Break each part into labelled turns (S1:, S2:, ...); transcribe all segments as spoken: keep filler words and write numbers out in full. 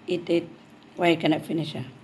S1: Eat it. Why you cannot finish ah?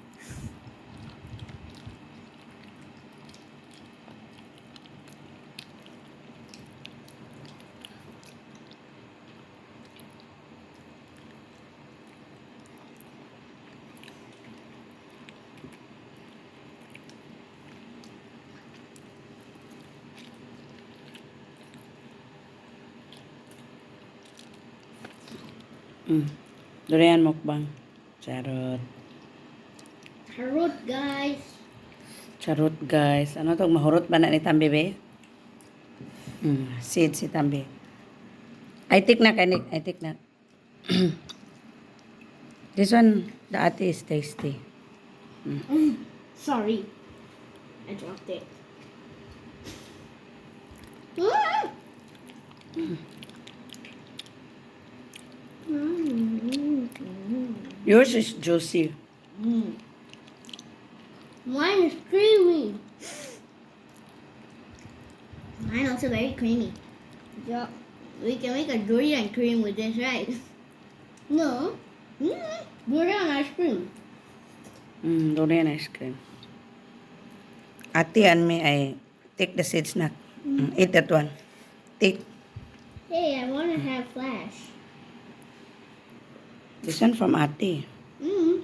S1: Mm. Durian mukbang. Charot.
S2: Harut, guys.
S1: Charot guys. Ano to? Mahurot ba na ni Tambi be? Mm. Seed si Tambi. I take na kanik. I take na. This one, the ate is tasty.
S2: Sorry. I dropped it. Mm. Mm.
S1: Yours is juicy.
S2: Mm. Mine is creamy. Mine also very creamy. Yeah, we can make a durian cream with this, right? No. Mm. Durian ice cream.
S1: Mm, durian ice cream. Ate and me, I take the seeds na. Mm, eat that one. Take.
S2: Hey, I want to have flash.
S1: This one from ate.
S2: Mm.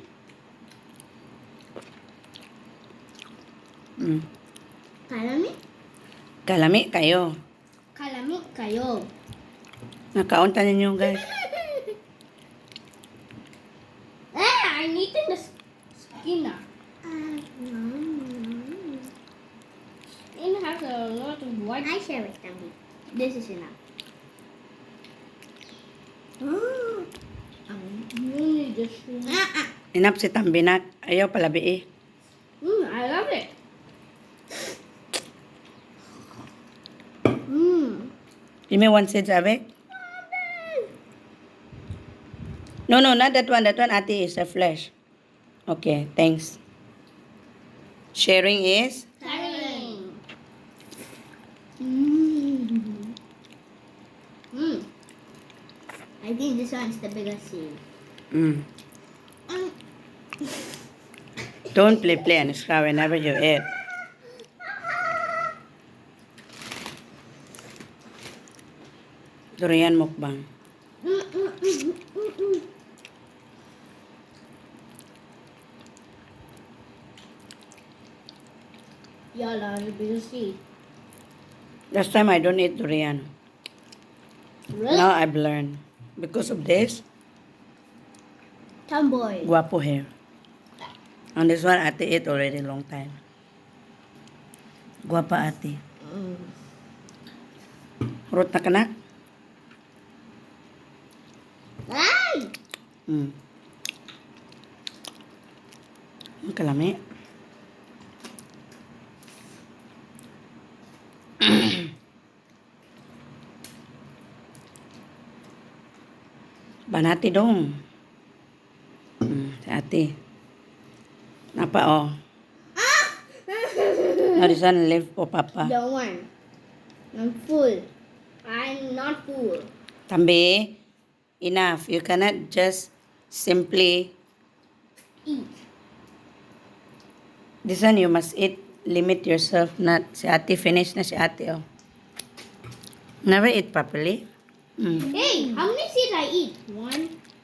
S1: Mm.
S2: Kalami?
S1: Kalami kayo.
S2: Kalami kayo.
S1: Nakaunta ninyo guys.
S2: Ah, I'm eating the skin now. Uh, mm. It has a lot of white. I share with Tambi. This is enough. Oh, I'm really just. Ah, ah.
S1: Inap si Tambinak. Ayaw palabi eh.
S2: Mm, I love it. Mm.
S1: Give me one seeds avec. No, no, not that one. That one ate is a flesh. Okay, thanks. Sharing is?
S2: Caroling. Mm. Mm. I think this one's the biggest seed.
S1: Mm.
S2: Um.
S1: Don't play play and scrap whenever you eat. Durian mukbang.
S2: Mm, mm, mm, mm, mm. Y'all are the biggest seed.
S1: Last time I don't eat durian.
S2: Really?
S1: Now I've learned. Because of this,
S2: Tomboy.
S1: guapo hair. And this one ate ate already long time. Guapa ate.
S2: Mm.
S1: Hurot na kanak?
S2: Ay!
S1: Hmm. Ang kalami. Banati dong. Hmm, si ate. Napa oh. Now this one live for papa.
S2: Don't want. I'm full. I'm not full.
S1: Tambi, enough. You cannot just simply
S2: Eat.
S1: this one you must eat. Limit yourself. Not si ate finish na si ate oh. Never eat properly. Mm.
S2: Hey, how many seeds I eat? One.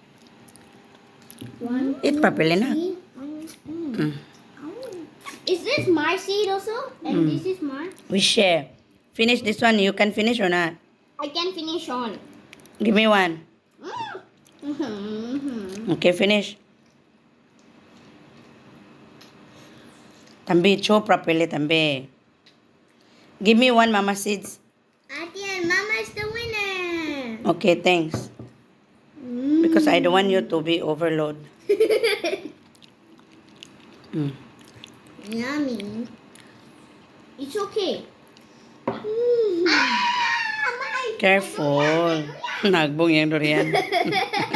S2: One.
S1: Eat properly na.
S2: three. Mm.
S1: Mm.
S2: Is this my seed also? And
S1: Mm.
S2: this is mine?
S1: We share. Finish this one. You can finish or not?
S2: I can finish on.
S1: Give me one.
S2: Mm. Mm-hmm.
S1: Okay, finish. Tambi, chew properly, Tambi. Give me one, Mama Seeds.
S2: Ati and Mama is the winner.
S1: Okay, thanks.
S2: Mm.
S1: Because I don't want you to be overload. Mm.
S2: Yummy. It's okay. Mm. Ah, my-
S1: Careful. Nagbong yung durian.